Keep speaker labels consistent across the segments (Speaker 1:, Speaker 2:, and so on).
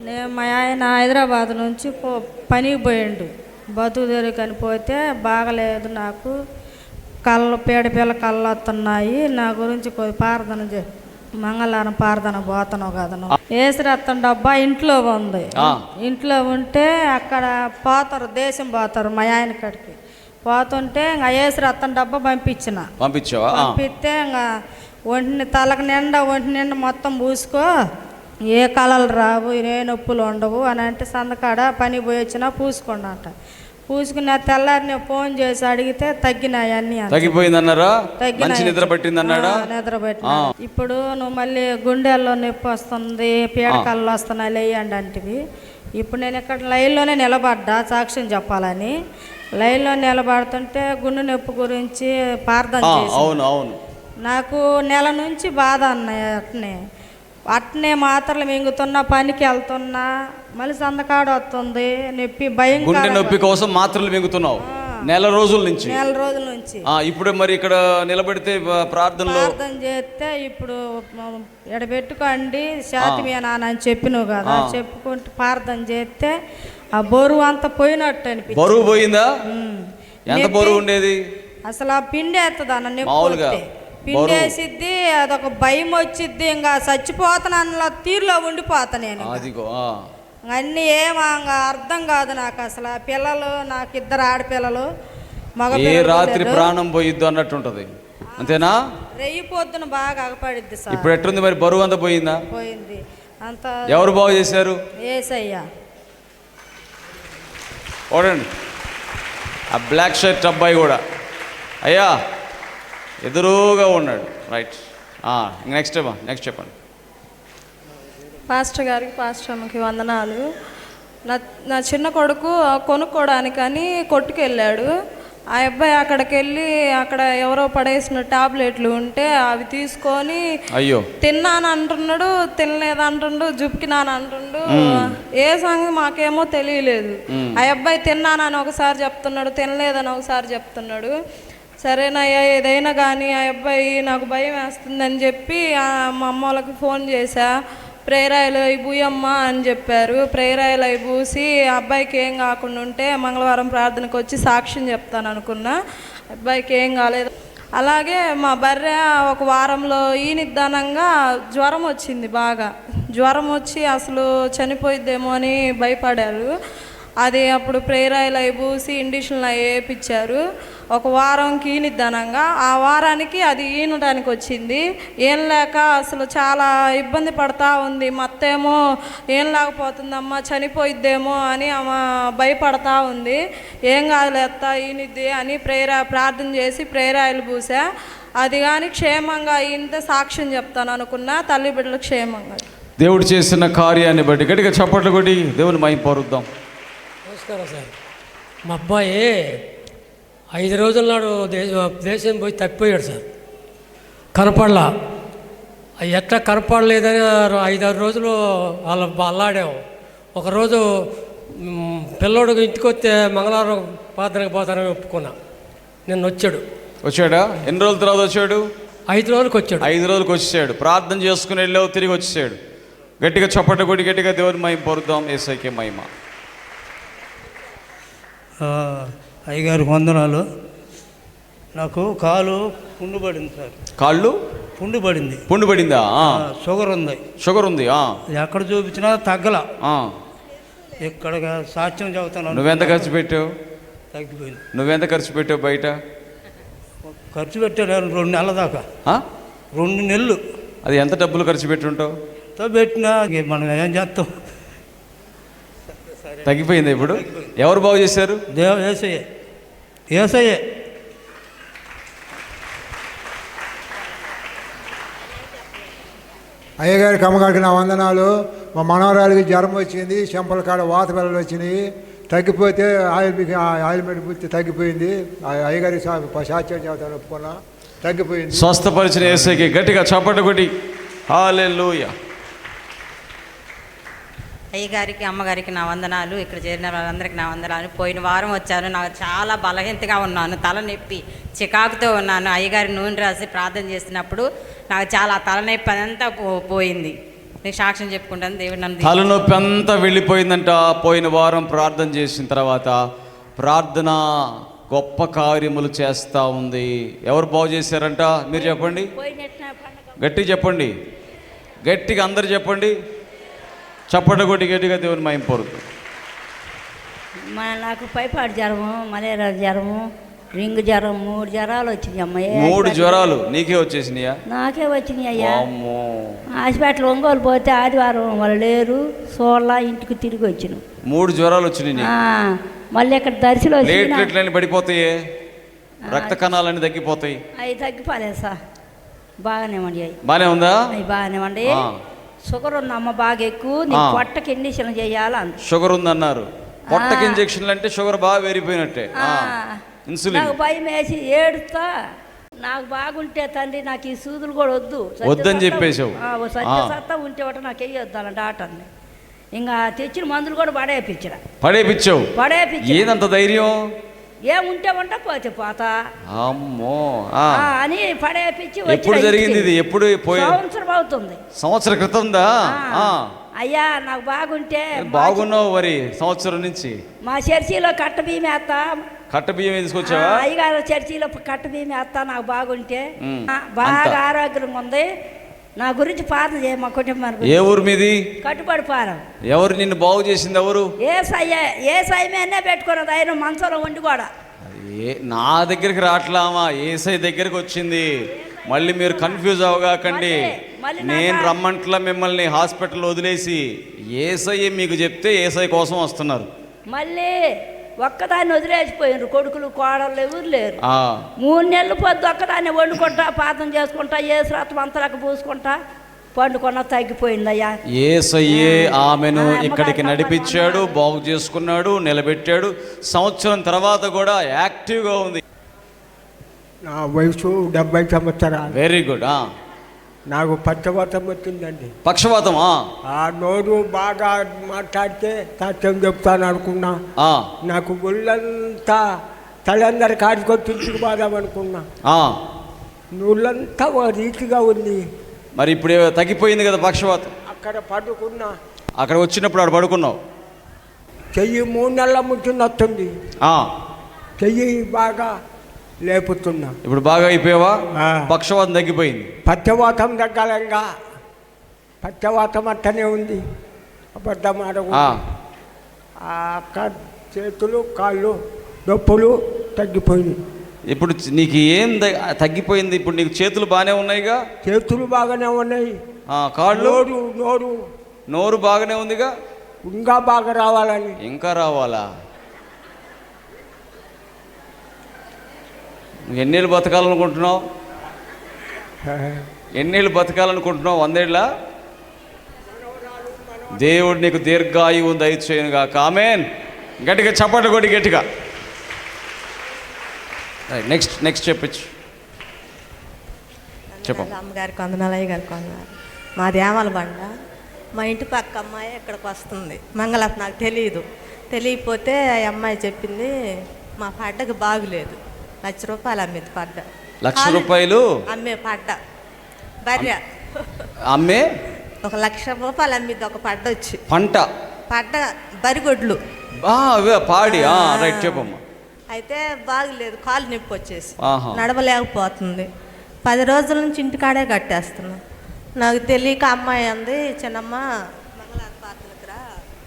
Speaker 1: నేను మా ఆయన హైదరాబాద్ నుంచి పనికి పోయిండు. బతుకు తెరుకని పోతే బాగలేదు, నాకు కళ్ళు పీడపిల్ల కళ్ళు వస్తున్నాయి, నా గురించి కొద్ది ప్రార్థన మంగళవారం ప్రార్థన పోతున్నావు కదను. ఏసురత్తం డబ్బా ఇంట్లో ఉంది. ఇంట్లో ఉంటే అక్కడ పోతారు, దేశం పోతారు మా ఆయన కాడికి. పోతుంటే ఇంకా ఏసురత్తం డబ్బా పంపిస్తే ఇంకా తలకు నిండా ఒంటి నిండా మొత్తం పూసుకో, ఏ కళలు రావు, ఏ నొప్పులు ఉండవు అని అంటే సందకాడ పని పోయి వచ్చినా పూసుకోండి అంట. పూసుకున్న తెల్లారి నేను ఫోన్ చేసి అడిగితే తగ్గినాయి అన్ని.
Speaker 2: తగ్గిపోయిందన్నారా? నిద్ర పట్టిందన్నాడా?
Speaker 1: నిద్ర పట్టిన. ఇప్పుడు నువ్వు మళ్ళీ గుండెల్లో నొప్పి వస్తుంది, పీడకళ్ళు వస్తున్నాయి లేయండి అంటివి. ఇప్పుడు నేను ఇక్కడ లైన్లోనే నిలబడ్డా సాక్ష్యం చెప్పాలని. లైన్లో నిలబడుతుంటే గుండె నొప్పి గురించి ప్రార్థన చేసి నాకు నెల నుంచి బాధ అన్నాయి. అట్నే మాత్రలు మింగుతున్నా, పనికి వెళ్తున్నా, మళ్ళీ సందకాడ వస్తుంది నొప్పి, భయం.
Speaker 2: గుండె నొప్పి కోసం మాత్రలు మింగుతున్నావు నెల రోజుల నుంచి. ఇప్పుడు మరి ఇక్కడ నిలబెడితే ప్రార్థన
Speaker 1: చేస్తే ఇప్పుడు ఎడబెట్టుకోండి శాతి మీ నాన్న అని చెప్పినావు కదా, చెప్పుకుంటూ ప్రార్థన చేస్తే ఆ బరువు అంతా పోయినట్టు అనిపించింది.
Speaker 2: బరువు పోయిందా? ఎంత బరువు ఉండేది?
Speaker 1: అసలు ఆ పిండి వేస్తుంది అన్న, మామూలుగా పిండేసిద్ది, అదొక భయం వచ్చిద్ది, ఇంకా చచ్చిపోతాను తీరులో ఉండిపోతా నేను. అన్నీ ఏమంగా అర్థం కాదు నాకు అసలు. పిల్లలు నాకు 2 ఆడపిల్లలు, మగ.
Speaker 2: ఏ రాత్రి ప్రాణం పోయిద్దు అన్నట్టు ఉంటది, అంతేనా?
Speaker 1: రెయ్యి పొద్దున బాగా అగపడిద్ది సార్.
Speaker 2: ఇప్పుడు ఎట్టుంది మరి? బరువు అంతా పోయిందా?
Speaker 1: పోయింది అంత.
Speaker 2: ఎవరు బాగు చేశారు?
Speaker 1: ఏసయ్యా.
Speaker 2: చూడండి ఆ బ్లాక్ షర్ట్ అబ్బాయి కూడా అయ్యా ఎదురుగా ఉన్నాడు. రైట్, నెక్స్ట్ చెప్పండి.
Speaker 3: పాస్టర్ గారికి, పాస్టర్ అమ్మకి వందనాలు. నా చిన్న కొడుకు కొనుక్కోవడానికని కొట్టుకెళ్ళాడు. ఆ అబ్బాయి అక్కడికి వెళ్ళి అక్కడ ఎవరో పడేసిన టాబ్లెట్లు ఉంటే అవి తీసుకొని
Speaker 2: అయ్యో
Speaker 3: తిన్నాను అంటున్నాడు, తినలేదు అంటుండు, జుప్కినాను అంటుండు. ఏ సంగతి మాకేమో తెలియలేదు. ఆ అబ్బాయి తిన్నానని ఒకసారి చెప్తున్నాడు, తినలేదని ఒకసారి చెప్తున్నాడు. సరేనయ్యా ఏదైనా కానీ ఆ అబ్బాయి నాకు భయం వేస్తుందని చెప్పి మా అమ్మ వాళ్ళకి ఫోన్ చేశా. ప్రేరాయిలు అవి పూయమ్మా అని చెప్పారు. ప్రేరాయిలు అవి పూసి అబ్బాయికి ఏం కాకుండా ఉంటే మంగళవారం ప్రార్థనకు వచ్చి సాక్ష్యం చెప్తాను అనుకున్నా. అబ్బాయికి ఏం కాలేదు. అలాగే మా బర్రె ఒక వారంలో ఈనిదానంగా జ్వరం వచ్చింది. బాగా జ్వరం వచ్చి అసలు చనిపోయిద్దేమో అని భయపడారు. అది అప్పుడు ప్రేరాయిలు అవి పూసి ఇండిషన్లు అవి వేయించారు. ఒక వారంకి ఈనిద్దానంగా ఆ వారానికి అది ఈనడానికి వచ్చింది. ఏం లేక అసలు చాలా ఇబ్బంది పడతా ఉంది. మత్తేమో ఏం లేకపోతుందమ్మా, చనిపోయిద్దేమో అని ఆమె భయపడతా ఉంది. ఏం కాదులేత్తా ఈనిద్ది అని ప్రార్థన చేసి ప్రేరాయిలు పూసా. అది కానీ క్షేమంగా ఇంత సాక్ష్యం చెప్తాను అనుకున్నా. తల్లి బిడ్డలు క్షేమంగా
Speaker 2: దేవుడు చేసిన కార్యాన్ని బట్టి గట్టిగా చప్పట్లు కొట్టి దేవుని మహిమ పరుద్దాం.
Speaker 4: నమస్కారం సార్. మా అబ్బాయి 5 రోజుల నాడు దేశం పోయి తప్పిపోయాడు సార్. కనపడలా. ఎట్లా కనపడలేదని 5-6 రోజులు అల్లాడాము. ఒకరోజు పిల్లోడు ఇంటికి వస్తే మంగళవారం ప్రార్థనకు పోతానని ఒప్పుకున్నా. నిన్న వచ్చాడా? ఎన్ని రోజుల తర్వాత వచ్చాడు? 5 రోజులకు వచ్చాడు. 5 రోజులకు వచ్చేసాడు. ప్రార్థన చేసుకుని వెళ్ళావు, తిరిగి వచ్చేసాడు. గట్టిగా చప్పట్లు కొట్టి గట్టిగా దేవుని మహిమ పరుద్దాం. యేసయ్యకే మహిమ.
Speaker 5: అయ్యగారికి వందనాలు. నాకు కాలు పుండు పడింది సార్.
Speaker 2: కాళ్ళు
Speaker 5: పుండు పడింది.
Speaker 2: పుండు పడిందా?
Speaker 5: షుగర్ ఉంది. ఎక్కడ చూపించినా తగ్గల. ఇక్కడ సాక్ష్యం చెబుతాను.
Speaker 2: నువ్వెంత ఖర్చు పెట్టావు?
Speaker 5: తగ్గిపోయింది.
Speaker 2: నువ్వెంత ఖర్చు పెట్టావు బయట?
Speaker 5: ఖర్చు పెట్టాను 2 నెలల దాకా. 2 నెలలు.
Speaker 2: అది ఎంత డబ్బులు ఖర్చు పెట్టుంటావు?
Speaker 5: పెట్టినా మనం ఏం చేస్తాం.
Speaker 2: తగ్గిపోయింది. ఇప్పుడు ఎవరు బాగు చేశారు?
Speaker 5: ఏసయ్యే.
Speaker 6: అయ్యగారికి అమ్మగారికి నా వందనాలు. మా మనవరాలికి జ్వరం వచ్చింది, చెంపల కాడ వాత పిల్లలు వచ్చినాయి. తగ్గిపోతే ఆయిల్మెంట్ పూర్తి తగ్గిపోయింది. అయ్యగారికి సాక్ష్యం చెబుతాను ఒప్పుకున్నా, తగ్గిపోయింది.
Speaker 2: స్వస్థపరిచిన యేసయ్యకి గట్టిగా చప్పట్లు కొట్టి హల్లెలూయా.
Speaker 7: అయ్యగారికి అమ్మగారికి నా వందనాలు. ఇక్కడ చేరిన వాళ్ళందరికీ నా వందనాలు. పోయిన వారం వచ్చాను. నాకు చాలా బలహీనతగా ఉన్నాను, తలనొప్పి చికాకుతో ఉన్నాను. అయ్యగారి నూనె రాసి ప్రార్థన చేసినప్పుడు నాకు చాలా తలనొప్పి అదంతా పోయింది. నీకు సాక్ష్యం చెప్పుకుంటాను. దేవుడు నన్ను
Speaker 2: తలనొప్పి అంతా వెళ్ళిపోయిందంట. పోయిన వారం ప్రార్థన చేసిన తర్వాత ప్రార్థన గొప్ప కార్యములు చేస్తూ ఉంది. ఎవరు బాగు చేశారంట? మీరు చెప్పండి, గట్టిగా చెప్పండి, గట్టిగా అందరు చెప్పండి, చప్పట కొట్టి గట్టిగా దేవుని మహిమ పొందుతుంది.
Speaker 8: నాకు పైపాడు జ్వరము, మలేరియా జ్వరము, రింగ్ జ్వరం, 3 జ్వరాలు వచ్చినాయి అమ్మాయి.
Speaker 2: 3 జ్వరాలు నీకే వచ్చేసినాయా?
Speaker 8: నాకే వచ్చినాయి అయ్యా. హాస్పిటల్ ఒంగోలు పోతే ఆదివారం వాళ్ళు లేరు, సోళ్ళ ఇంటికి తిరిగి వచ్చిన.
Speaker 2: 3 జ్వరాలు వచ్చినాయి.
Speaker 8: మళ్ళీ ఇక్కడ దర్శనం
Speaker 2: ప్లేట్లెట్లన్నీ పడిపోతాయి, రక్త కణాలన్నీ తగ్గిపోతాయి.
Speaker 8: అవి తగ్గిపోలేదు సార్, బాగానే ఉండి. అవి
Speaker 2: బాగానే ఉందా?
Speaker 8: అవి బాగానే ఉండి. షుగర్ ఉంది అమ్మ బాగా ఎక్కువ, నీ పొట్టకి ఇంజక్షన్ చేయాలని.
Speaker 2: షుగర్ ఉందన్నారు. పొట్టకి ఇంజక్షన్లు అంటే షుగర్ బాగా పెరిగిపోయినట్టే. ఇన్సులిన్.
Speaker 8: నాకు భయం వేసి ఏడుస్తా, నాకు బాగుంటే తండ్రి నాకు ఈ సూదులు కూడా
Speaker 2: వద్దని చెప్పేసావు.
Speaker 8: సత్తా ఉంటే ఒకటి నాకు వేయొద్దు అన్న డాక్టర్ని. ఇంకా తెచ్చిన మందులు కూడా
Speaker 2: పడేపించావు. ఏదంత ధైర్యం?
Speaker 8: ఏముంటే ఉంటా పోతే పోతా
Speaker 2: అమ్మో
Speaker 8: అని పడేపించి.
Speaker 2: ఎప్పుడు జరిగింది ఇది? ఎప్పుడు?
Speaker 8: సంవత్సరం అవుతుంది.
Speaker 2: సంవత్సరం క్రితందా?
Speaker 8: అయ్యా నాకు బాగుంటే
Speaker 2: బాగున్నావు మరి సంవత్సరం నుంచి.
Speaker 8: మా చర్చిలో కట్ట బియ్యం వేస్తా.
Speaker 2: కట్ట బియ్యం తీసుకొచ్చావా?
Speaker 8: అయ్యగారు చర్చిలో కట్ట బియ్యం వేస్తా నాకు బాగుంటే. బాగా ఆరోగ్యంగా ఉంది. నా గురించి ప్రార్థన చేయ మా కుటుంబానికి.
Speaker 2: ఏ ఊరు మీది?
Speaker 8: కట్టుబడి పారం.
Speaker 2: ఎవరు నిన్ను బాగు చేసింది? ఎవరు?
Speaker 8: ఏ సైమేనే పెట్టుకున్నది ఆయన మనసులో ఉండి కూడా.
Speaker 2: నా దగ్గరికి రావట్లామా, ఏసై దగ్గరికి వచ్చింది. మళ్ళీ మీరు కన్ఫ్యూజ్ అవగాకండి. నేను రమ్మంట్లా మిమ్మల్ని హాస్పిటల్ వదిలేసి ఏసై మీకు చెప్తే ఏసై కోసం వస్తున్నారు.
Speaker 8: మళ్ళీ ఒక్కదాన్ని వదిలేసిపోయినారు, కొడుకులు కోడళ్ళు ఎవరు లేరు. 3 నెలలు పొద్దు ఒక్కదాన్ని వండుకుంటా, ప్రార్థన చేసుకుంటా, ఏ శ్రాతం అంతలకు పూసుకుంటా పండుకున్న తగ్గిపోయిందయ్యా.
Speaker 2: ఏసయ్యే ఆమెను ఇక్కడికి నడిపించాడు, బాగు చేసుకున్నాడు, నిలబెట్టాడు. సంవత్సరం తర్వాత కూడా యాక్టివ్గా ఉంది.
Speaker 9: నా వయసు 70 సంవత్సరాలు.
Speaker 2: Very good.
Speaker 9: నాకు పక్షవాతం వచ్చిందండి.
Speaker 2: పక్షవాతమా?
Speaker 9: ఆ నోరు బాగా మాట్లాడితే సత్యం చెప్తాను అనుకున్నా. నాకు ఒళ్ళంతా తలందరి కాడికొచ్చి ఇంటికి అనుకున్నా. నోళ్ళంతా ఓ రీతిగా ఉంది.
Speaker 2: మరి ఇప్పుడు తగ్గిపోయింది కదా పక్షవాతం?
Speaker 9: అక్కడ పడుకున్నా.
Speaker 2: అక్కడ వచ్చినప్పుడు ఆడ పడుకున్నావు.
Speaker 9: చెయ్యి 3 నెలల ముంచి వస్తుంది. చెయ్యి బాగా లేపుతున్నా.
Speaker 2: ఇప్పుడు బాగా అయిపోయావా? పక్షవాతం తగ్గిపోయింది.
Speaker 9: పక్షవాతం తగ్గాలంగా. పక్షవాతం అట్టనే ఉంది. అబద్ధం ఆడకు. చేతులు కాళ్ళు నొప్పులు తగ్గిపోయింది.
Speaker 2: ఇప్పుడు నీకు ఏం తగ్గిపోయింది? ఇప్పుడు నీకు చేతులు బాగానే ఉన్నాయిగా?
Speaker 9: చేతులు బాగానే ఉన్నాయి.
Speaker 2: కాళ్ళు,
Speaker 9: నోరు
Speaker 2: బాగానే ఉందిగా?
Speaker 9: ఇంకా బాగా రావాలని.
Speaker 2: ఇంకా రావాలా? ఎన్నేళ్ళు బతకాలనుకుంటున్నావు? 100 ఏళ్ళ? దేవుడు నీకు దీర్ఘాయువు దయచేయునుగా. ఆమేన్. గట్టిగా చప్పట్లు కొట్టి గట్టిగా. నెక్స్ట్ చెప్పచ్చు. చెప్పండి.
Speaker 10: అమ్మగారికి వందనాలు, అయ్యగారికి వందనాలు. మాది ఏమల బండ. మా ఇంటి పక్క అమ్మాయి ఇక్కడికి వస్తుంది. మంగళ నాకు తెలియకపోతే ఆ అమ్మాయి చెప్పింది మా పడ్డకి బాగులేదు, 1,00,000 రూపాయలు అమ్మేది పడ్డ.
Speaker 2: 1,00,000 రూపాయలు
Speaker 10: అమ్మే పడ్డ భార్య
Speaker 2: అమ్మే
Speaker 10: 1,00,000 రూపాయలు అమ్మిద్ది ఒక పడ్డ వచ్చి. పడ్డ బరిగొడ్లు
Speaker 2: పాడి. రైట్, చెప్పమ్మా.
Speaker 10: అయితే బాగులేదు, కాలు నొప్పి వచ్చేసి నడవలేకపోతుంది. 10 రోజుల నుంచి ఇంటికాడే కట్టేస్తున్నా. నాకు తెలియక అమ్మాయి అంది, చిన్నమ్మ మంగళవారం పాత్రలకు రా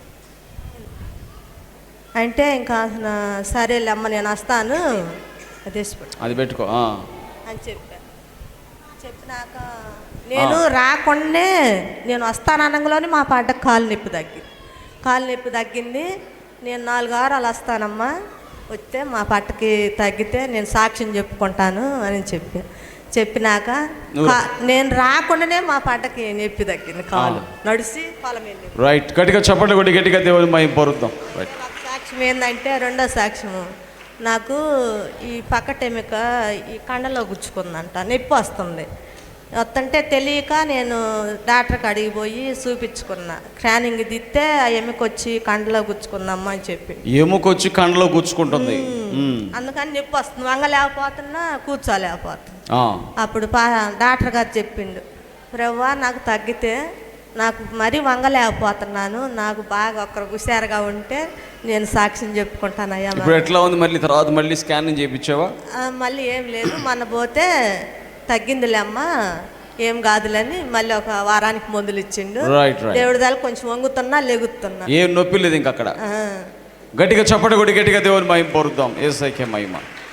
Speaker 10: అంటే, ఇంకా సరేలే అమ్మ నేను వస్తాను
Speaker 2: అది పెట్టుకో
Speaker 10: అని చెప్పినాక నేను రాకుండానే నేను వస్తాననగానే మా పడ్డ కాలు నొప్పి తగ్గింది. నేను 4 వారాలు వస్తానమ్మా, వస్తే మా పట్టకి తగ్గితే నేను సాక్ష్యం చెప్పుకుంటాను అని చెప్పినాక నేను రాకుండానే మా పట్టకి నొప్పి తగ్గింది. కాలు నడిచి పొలం వెళ్ళి.
Speaker 2: రైట్, గట్టిగా చప్పట్లు కొట్టి గట్టిగా దేవుని మహిమ పొందుదాం.
Speaker 10: సాక్ష్యం ఏంటంటే, రెండో సాక్ష్యము, నాకు ఈ పక్కటెమిక ఈ కండలో గుచ్చుకుందంట, నొప్పి వస్తుంది. వస్తుంటే తెలియక నేను డాక్టర్కి అడిగిపోయి చూపించుకున్నా. స్కానింగ్ దిస్తే ఆ ఎముకొచ్చి కండలో గుచ్చుకుందమ్మా అని చెప్పి.
Speaker 2: ఎముకొచ్చి కండలో గుచ్చుకుంటుంది.
Speaker 10: అందుకని నొప్పి వస్తుంది, వంగలేకపోతున్నా, కూర్చోలేకపోతున్నా. అప్పుడు డాక్టర్ గారు చెప్పిండు, ప్రవ్వా నాకు తగ్గితే నాకు మరీ వంగలేకపోతున్నాను. నాకు బాగా ఒక్కరు హుషారుగా ఉంటే నేను సాక్ష్యం చెప్పుకుంటానయ్యా.
Speaker 2: ఇప్పుడు ఎట్లా ఉంది మళ్ళీ తర్వాత మళ్ళీ స్కానింగ్ చేయించావా?
Speaker 10: మళ్ళీ ఏం లేదు, మొన్న పోతే తగ్గిందిలే అమ్మా, ఏం కాదులని మళ్ళీ ఒక వారానికి మందులు ఇచ్చిండు. దేవుడి దాకా కొంచెం వంగుతున్నా లెగుతున్నా,
Speaker 2: ఏం నొప్పి లేదు ఇంక అక్కడ. గట్టిగా చప్పట కొట్టి గట్టిగా దేవుని మహిమ పొరుద్దాం. యేసయ్యకే మహిమ.